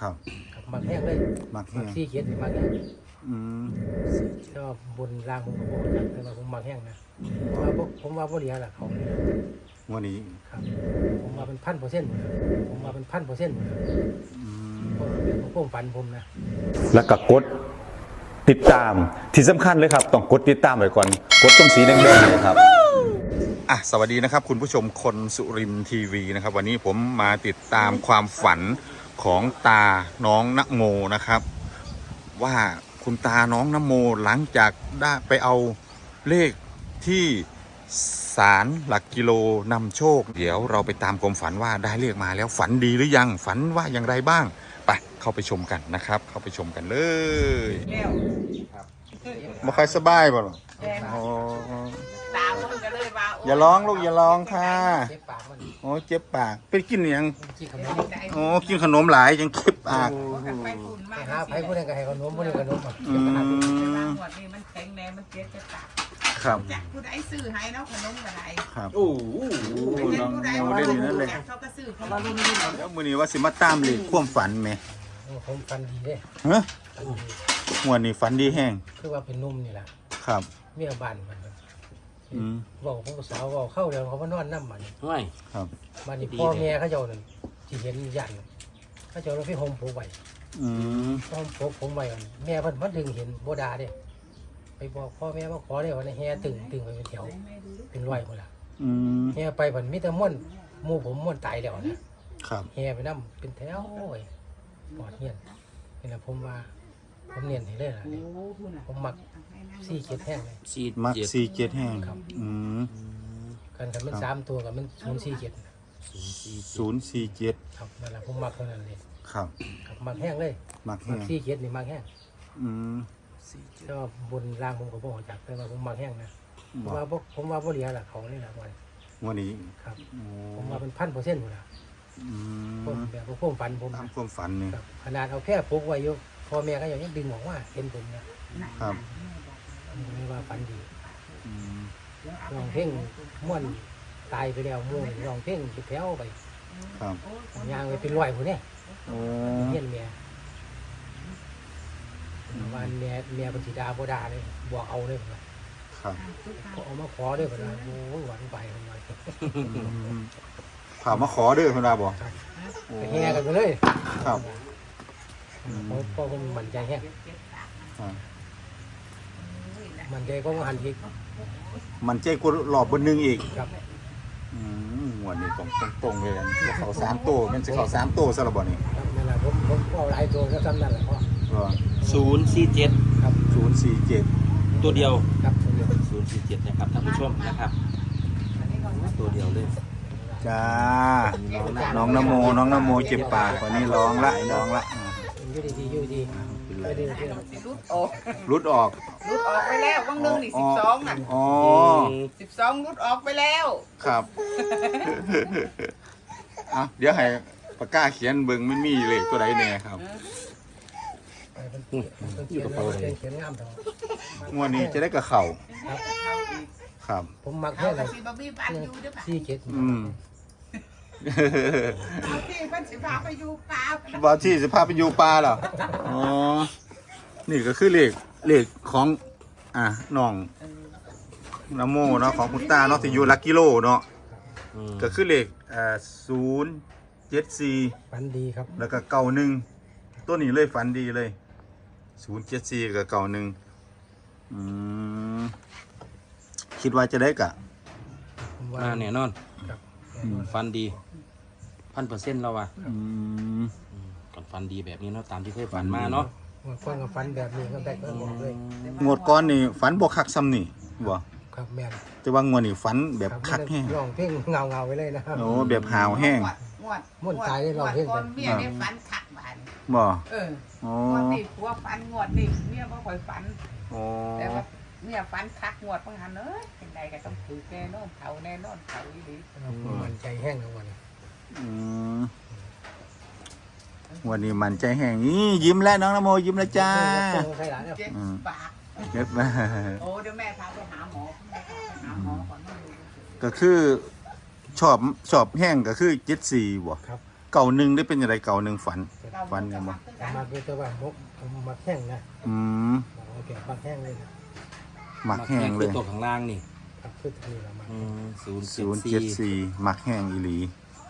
ครับมักแห้งเลยมักซี่เขียนมักแห้งอืมชอบบนรางผมก็บอกจักแต่ว่าผมมักแห้งนะผมว่าบ่เหลียล่ะเขานี่วันนี้ครับผมว่าเป็น1,000%หมดผมว่าเป็น1,000%หมดอืมผมฝันผมนะแล้วก็กดติดตามที่สำคัญเลยครับต้องกดติดตามไว้ก่อนกดตรงสีแดงๆเลยครับสวัสดีนะครับคุณผู้ชมคนสุรินทร์ทีวีนะครับวันนี้ผมมาติดตามความฝันของตาน้องนโมนะครับว่าคุณตาน้องนโมหลังจากได้ไปเอาเลขที่ศาลหลักกิโลนำโชคเดี๋ยวเราไปตามความฝันว่าได้เลขมาแล้วฝันดีหรือยังฝันว่าอย่างไรบ้างไปเข้าไปชมกันนะครับเข้าไปชมกันเลยบ่ค่อยสบายบ่หรออ๋อตามันก็เลยว่าอย่าร้องลูกอย่าร้องค่ะเจ็บปากมันโอ้เจ็บปากเป็นกินหยังขี้ขนมโอ้กินขนมหลายยังเจ็บปากไปฝุ่นไปมากหาไผผู้ใดก็ให้ขนมผู้ใดขนมอ่ะอืแต่มว่าหมวดนี่มันแข็งแรงมันเจ็บจะตากครับจากผู้ใดซื้อให้เนาะขนมก็ได้ครับโอ้โหเป็นน้องผู้ใดน้องว่าได้ดีนั่นเลยจากเขาก็ซื้อเขามารุ่นแล้วมื้อนี้ว่าสิมาตามเลขความฝันไหมผมฟันดีเด้ฮะฟันดีงวดนี้ฝันดีแห้งคือว่าเป็นนุ่มนี่แหละครับเมียบ้านมันอืมบอกผมสาวบอกเข้าเดี๋ยวเขามานอนน้ำมันไม่ครับบ้านนี้พ่อแม่เขาเจ้านั่นที่เห็นยันเขาเจ้าเราไปห่มผูกไว้อืมห่มผูกผมไว้ก่อนแม่เพิ่นดึงเห็นโบดาเด้ไปบอกพ่อแม่ว่าขอได้วันนี้แห่ตึงไปเป็นแถวเป็นร้อยหมดละอืมแห่ไปเพิ่นมีแต่ม่วนหมู่ผมม่วนตายแล้วนะครับ แห่ไปน้ำเป็นแถวโอ้ยปอดเงียนนี่แหละผมว่าผมเนียนให้เลยล่ะนี่ผมมักซี่เขียดแห้งเลยมัก47แห้งอืมกันกับมัน3ตัวกับมัน047 047 ครับนั่นแหละผมมักเท่านั้นเลยครับครับมักแห้งเลยมักมัแห้กงซี่เขียดนี่มักแห้งอืมแต่ว่าบนรางผมก็บอกจักแต่ว่าผมมักแห้งนะผมบ่ว่าผมว่าบ่เหลียล่ะเขานี่ล่ะวันวันนี้ครับโอ้ผมว่าเป็น1,000%หมดละอืผมมแบบว่าผมฝันผมตามนะความฝันนี่ครับขนาดเอาแค่พกไว้อยู่พ่อแม่ก็ยังดึงออกว่าเห็นผมนะครับ ผมก็เลยว่าฝันดีอืมร้องเพลงม่วนตายไปแล้วม่วนร้องเพลงไปแถวไปครับย่างไปเป็นร้อยคนนี้โอ้เฮียนเมียวันเมียเป็นสีดาโบดาเลยบอกเอาเลยผมว่าครับเอามาขอเลยผมว่าโอ้ยหวานไปผมว่าอืมถามมาขอเด้อคุณดาบอกครับโอ้ไปแห่กันไปเลยครับเพราะผมมั่นใจแห้งอ่ามั่นใจก็ว่าหันอีกมันใจกูหลอบบนหนึงอีกครับหัวดนี่ตรงเลยบ่เขา3ตัวมันจะเขา3ตัวซะละบ่นี่ครับนั่นแหละผมเอาหลายตัวก็จำนั่นแหละพ่อก็ 047 ครับ 047 ตัวเดียวครับเดียว 047นะครับท่านผู้ชมนะครับตัวเดียวเลยจ้าน้องนโมเจ็บปากวันนี้ร้องละร้องละอยู่ดีอยู่ดีเป็นไรไม่ได้ที่สิรุดออกรุดออกรุดออกไปแล้ววังหนึงนี่12น่ะอ๋อ 12รุดออกไปแล้วครับเดี๋ยวให้ปากกาเขียนเบิ่งมันมีเลขตัวใดแน่ครับเขียนงามเถอะงวดนี้จะได้กับเข่าครับครับผมมักเอาแค่ไหนก็สิบ่มีบ้านอยู่เด้อป่ะซี่เก็ดเอาที่เพิ่นสิพาไปอยู่ป่าบอที่สิพาไปอยู่ป่าเหรออ๋อนี่ก็คือเลขของน้องนโมเนาะของคุณตาเนาะที่อยู่หลักกิโลเนาะก็คือเลข074 ฝันดีครับแล้วก็91ตัวนี้เลยฝันดีเลย074กับ91คิดว่าจะได้กะผมว่ามาแน่นอนครับฟันดี1,000%แล้วว่ะอืมก่อนฟันดีแบบนี้เนาะตามที่เคยฝันมาเนาะคนกับฝันแบบนี้ก็ได้ก็บอกเลยงวดก่อนนี่ฝันบ่คักซ้ำนี่บ่ครับแม่นแต่ว่างวดนี่ฝันแบบคักแห้งร้องเพลงเงาไปเลยนะครับโอ้แบบหาวแห้งงวดม่วนตายได้ร้องเพลงก่อนเมียได้ฝันคักบ้านบ่งวดนี้ผัวฝันงวดนี้เมียบ่ค่อยฝันโอ้แต่ว่าเมียฝันคักงวดบางหันเอ้ยจังใดก็ต้องถือแน่นอนเขาแน่นอนเขาอีหลีมันใจแห้งทั้งวันอืมวันนี้มันใจแห้งนี่ยิ้มแล้วน้องนโมยิ้มแล้วจ้าใครหลานเนี่ยเจ็บปากเก็บมาโอ้เดี๋ยวแม่พาไปหาหมอแม่พาไปหาหมอก่อนนะก็คือชอบแห้งก็คือ74บ่ครับเก่าหนึ่งได้เป็นอะไรเก่าหนึ่งฝันจะฝันเนี่ยบ่มาคือแต่ว่าผมมาแข้งนะอืมโอเคมาแข้งเลยนะหมักแห้งเลยตัวข้างล่างนี่ครับคือนี่ละมา 074หมักแห้งอีหลี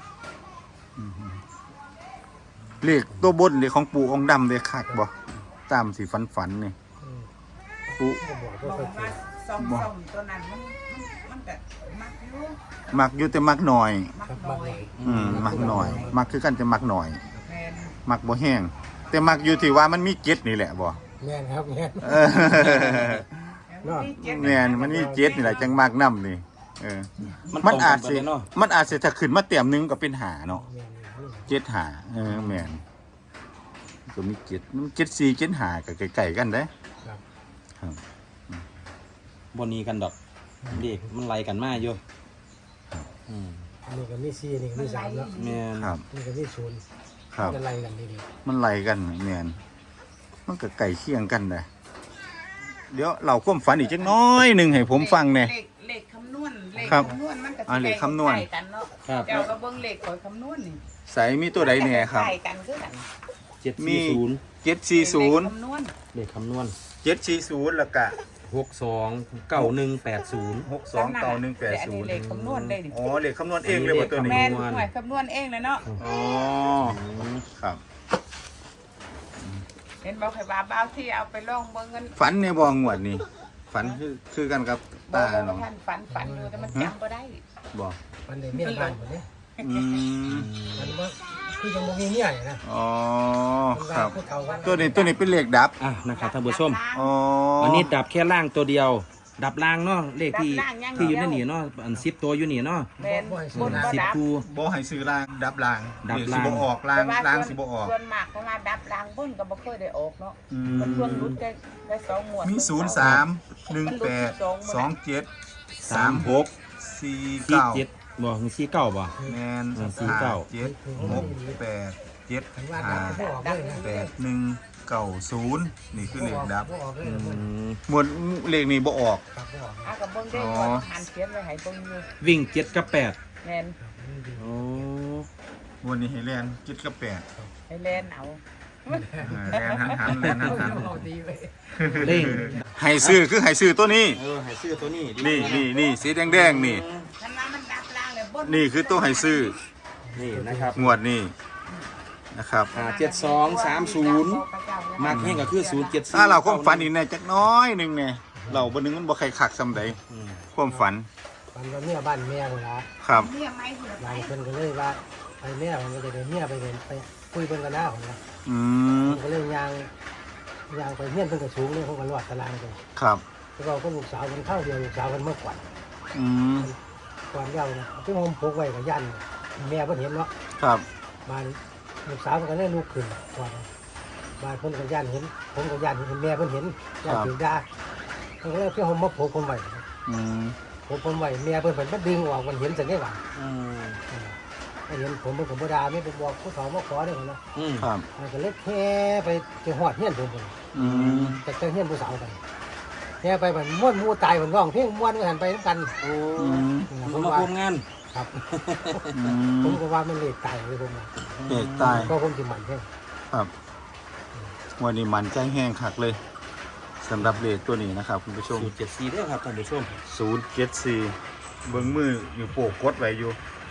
เลขตัวบนเลขของปู่องค์ดำเลยคักบ่ตามสิฝันนี่ปู่ก็บอกบว่าอกค่อยว่าส้มตัวนั้นมันก็มักอยู่มักอยู่แต่มักหน่อยมักครับน้มาอยมักหน่อย มักคือกันจะมักหน่อยแม่นมักบ่แห้งแต่มักอยู่ที่ว่ามันมีเจ็ดนี่แหละบ่แม่นครับแม่นเออเนาะแม่นมันมีเจ็ดนี่แหละจังมักนำนี่เออมัมัน นอาอาจจสิสิเนาะมันอาจสิถ้าขึ้นมาเต็มหนึงก็เป็นหาเนาะแม่นนี่เจ็ดหาแม่นก็มีเจ็ดมัน74 75ก็ใกล้ๆกันเด้ครับครับบนนี้กันดอกเด็กมันไล่กันมาอยู่อืมนี่ก็มี4นี่ก็มี3แล้วแม่นครับนี่ก็มี0 ครับจะไล่กันดีมันไล่กันแม่นมันก็ใกล้เคียงกันเด้เดี๋ยวเราความฝันอีกจักหน้อยหนึงให้ผมฟังแหน่เลขคำนวณเลขครับคำนวณมันก็เลขคำนวณใกล้กันเนาะครับเจ้าก็เบิ่งเลขข่อยคำนวณนี่ใส่มีตัวใดแหน่ครับใกล้กันคือกันมี 740 เลข 740 คำนวณเลขคำนวณ 740แล้วก็ 629180 629180 เลขคำนวณได้ดิอ๋อเลขคำนวณเองเลยบ่ตัวนี้แม่นหน่วยคำนวณเองเลยเนาะอ๋อครับเห็นบอกให้ว่าบ้าวที่เอาไปลองเบิ่งเงินฝันในบ่งวดนี่ฝันคือกันกับบ่ตาว่าเนาะท่านฝันอยู่แต่มันจำบ่ได้บ่ๆมันได้เมียบ้านหมดนี่อืมมันว่าคือยังบ่มีเมียนี่นะอ๋อมันคว่ารับผู้เฒ่ากันตัวนี้เป็นเลขดับอ่ะนะครับท่านผู้ชมอ๋ออันนี้ดับแค่ล่างตัวเดียว ดับล่างเนาะเลขที่ดับล่างอย่างเดียวที่อยู่ในนี่เนาะอัน10ตัวอยู่นี่เนาะแม่นบนบ่ดับ 10คู่บ่ให้ซื้อล่างดับล่างดับเลขสิล่างบ่ออกล่างแต่ว่ล่างสิบ่ออกส่วนมากเพราะว่าดับล่างบนก็บ่เคยได้ออกเนาะอืมันส่วนมรุดได้2หมวดมี03 18 27 36 49 47บ่คือ49บ่แมน 49 7 6 8 7 มันว่าดับก็ออกเลยนะ 8 1 9 0นี่คือเลขดับบ่ออกเลยอืนะมหมวดเลขนี้บ่ออกครับบ่ออกอ่ะก็เบิ่งได้อ๋อว่าหันเขียนไว้ให้เบิ่งอยู่วิ่ง7กับ8 แม่นโอ้หมวดนี้ให้แลน7กับ8 ให้แล่นเอาแลนหันแลนหันเอาดีเลยเร่งให้ซื้อคือให้ซื้อตัวนี้ให้ซื้อตัวนี้ดีนี่สีแดงๆนี่คันว่ามันดับล่างเลยบนนี่คือตัวให้ซื้อนี่นะครับงวดนี้นะครับ 7230 มากแห้งก็คือ074 ถ้าเราความฝันอีกแน่จักน้อยหนึงแน่เราบ่นึงมันบ่ใครคักซำใดอืมความฝันมันว่าเมียบ้านเมียคนละครับเนี่ยไม้หุ่นหลายคนก็เลยว่าไปเมียมันก็จะได้เมียไปเป็นไปคุยเพิ่นกันหน้าคนละอืมก็เลยยางไปเมียนเพิ่นก็สูงเลยเขาก็รอดตารางไปครับแล้วเราก็ลูกสาวมันเข้าเดียวลูกสาวมันเมื่อก่อนอืมก่อนเดียวนะที่ผมพกไว้กับยันแม่เพิ่นเห็นเนาะครับบ้านลูกสาวมันก็เลยลุกขึ้นก่อนบ้านเพิ่นกับยันเห็นผมกับยันเห็นแม่เพิ่นเห็นยันถือดาเพิ่นก็เลยเพื่อผมมาพกผมไว้อืมผมไว้แม่เพิ่นมันดึงออกมันเห็นสันได้หว่าอืมเห็นผมเป็นบ่ดาไม่ไปบอกผู้สาวมาขอได้นะอืมครับมันก็เลยแค่ไปจะหอดเฮียนผมพุ่นอืมแต่เจอเฮียนผู้สาวกันแค่ไปมันม้วนมูตายมันร้องเพลงม้วนกันไปน้ำกันโอ้อืมมันมาร่วมงานครับอืผมมก็ว่ามันเลขตายเลยผมว่าเอกตายก็ผมสิมันแค่ครับวันนี้มันใจแห้งคักเลยสำหรับเลขตัวนี้นะครับคุณผู้ชม 074เด้อครับท่านผู้ชม 074เบิ้งมืออยู่โปกกดไว้อยู่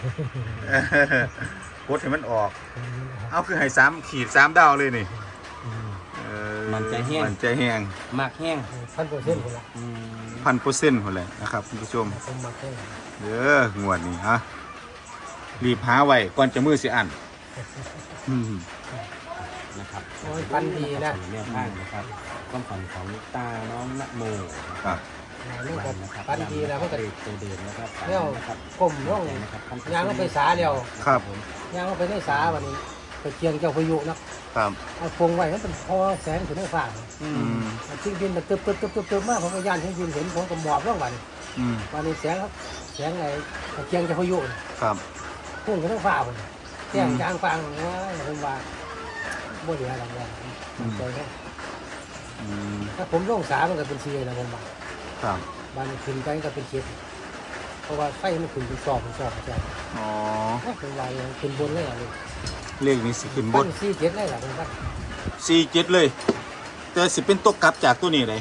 กดให้มันออก เอาคือให้3 ขีด 3 ดาวเลยนี่เออมันใจแห้งมันใจแห้งมากแห้ง 1,000%คนละอืม 1,000%หมดเลยนะครับคุณผู้ชมผมมาแค่เด้องวดนี้ฮะรีบหาไว้ก่อนจะมือสิอันอืมนะครับโอ้ยปันดีนะแนวทางนะครับความฝันของตาน้องนะโมครับนี่ก็ปันดีนะมันก็ตัวเดินนะครับแล้วก้มลงนะครับยางก็ไปสาเดียวครับยางก็ไปได้สาวันนี้ไปเจียงเจ้าพายุนะครับ เอาพงไว้มันเป็นพอแสงถึงได้ฟ้าอืมทิ้งดินมันตึบมากผมก็ย่านทิ้งดินเห็นผมก็หมอบลงวันอืมวันนี้แสงไอ้เจียงเจ้าพายุครับพุ่งขึ้นทั้งฟ้าผมแจ้งจางฟางว่าผมว่าบ่เหลืออะไรแล้วใจแค่อืมถ้าผมลงสามันก็เป็นเชียนะผมว่าครับบ้านขึ้นไปก็เป็นเชียเพราะว่าไฟมันขึ้นเป็นซอกใช่อ๋อเป็นวายขึ้นบนเลยอะไรเลขนี้สิขึ้นบปั้นน4 7เลยล่ะผมปั้น 47เลย แต่สิเป็นตัวกลับจากตัวนี้เลย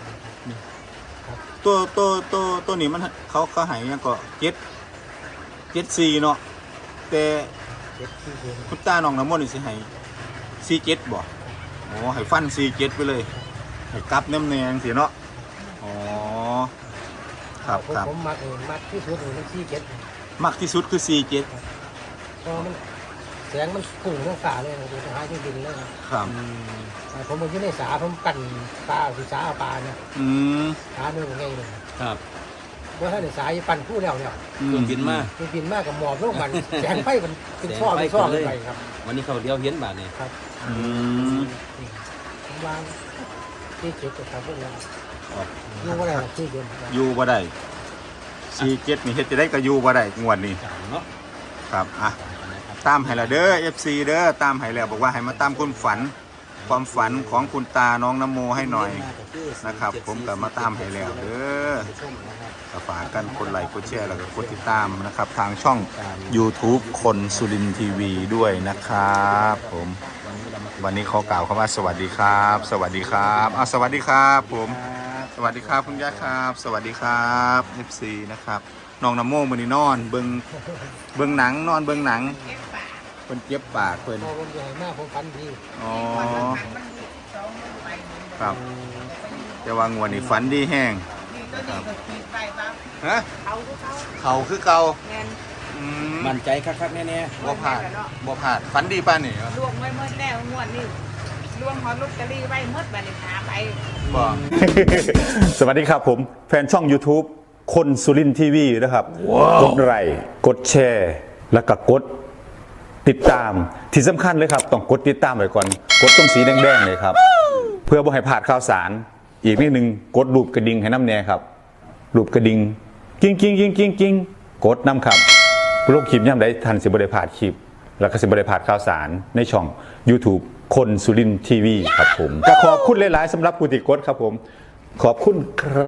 ตัวนี้มันเขาใหายยังก็774เนาะแต่ 7 4 คุณตาน้องน้ำมนต์นี่สิให้47บ่โอ้ให้ฟัน47ไปเลยให้กลับแนมๆสิเนาะอ๋อครับครับผมมักที่สุดมัน4 7 มักที่สุดคือ47 เพราะมันแสงมันพุ่งลงฟ้าเลยนะดูหาที่ดินเลยนะครับ ผมอยู่ในสาผมกันปลาสิสาปลาเนี่ยอืมสาเนื้อไงเนี่ยครับว่าถ้าในสายปั่นผู้แล้วเนี่ยอืมบินมามันบินมากกับหมอบโลกมันแสงไฟมันเป็นช่อเป็นช่อไปครับวันนี้เขาเดียวเห็นบาทนี่ครับอืมผมวางที่จุดครับพวกนี้อยู่ว่าอะไรที่เดินอยู่บ่ได้47นี่เฮ็ดจะได้ก็อยู่บ่ได้งวดนี้จังเนาะครับอ่ะตามให้ละเด้อ FC เด้อตามให้แล้วบอกว่าให้มาตามความฝันของคุณตาน้องน้ำโมให้หน่อยนะครับ ผมก็มาตามให้แล้วเด้อก็ฝากกันกดไลค์กดแชร์แล้วก็กดติดตามนะครับ ทางช่อง YouTube คนสุรินทร์ทีวีด้วยนะครับผมวันนี้ขอกล่าวคำว่าสวัสดีครับ สวัสดีครับสวัสดีครับผมสวัสดีครับคุณย่าครับ สวัสดีครับ FC นะครับน้องน้ำโมมื้อนี้นอนเบิ่งหนังนอนเบิ่งหนังเก็บปากเพิ่นเจ็บปากเพิ่นพอผมใหญ่มากผมฟันดีอ๋อมันสองมือไปครับแต่ว่างวดนี้ฝันดีแห้งนี่ตัวนี้ก็ขีดไปบ้างฮะเขาก็เขาเขาคือเก่าแม่นอืมมั่นใจคักๆแน่บ่พลาดบ่พลาดฝันดีป่านนี่รวมไว้เมื่อแล้วงวดนี้รวมหอลอตเตอรี่ไว้เมื่อบัดนี้หาไปบ่สวัสดีครับผมแฟนช่อง YouTube คนสุรินทีวีนะครับกดไลค์กดแชร์ แล้วก็กดติดตามที่สำคัญเลยครับต้องกดติดตามไว้ก่อนกดตรงสีแดงๆเลยครับ เพื่อบ่ให้พลาดข่าวสาร อีกนิดนึงกดรูปกระดิ่งให้น้ำแน่ครับรูปกระดิ่งกิ้งกิ้งกิ้งกิ้งกิ้งกดน้ำครับโลกคลิปย่ำได้ทันสิบได้พลาดคลิป แล้วก็สิบได้พลาดข่าวสารในช่อง YouTube คนสุรินทีวีครับผมก็ขอบคุณหลายๆสำหรับผู้ติดกดครับผมขอบคุณครับ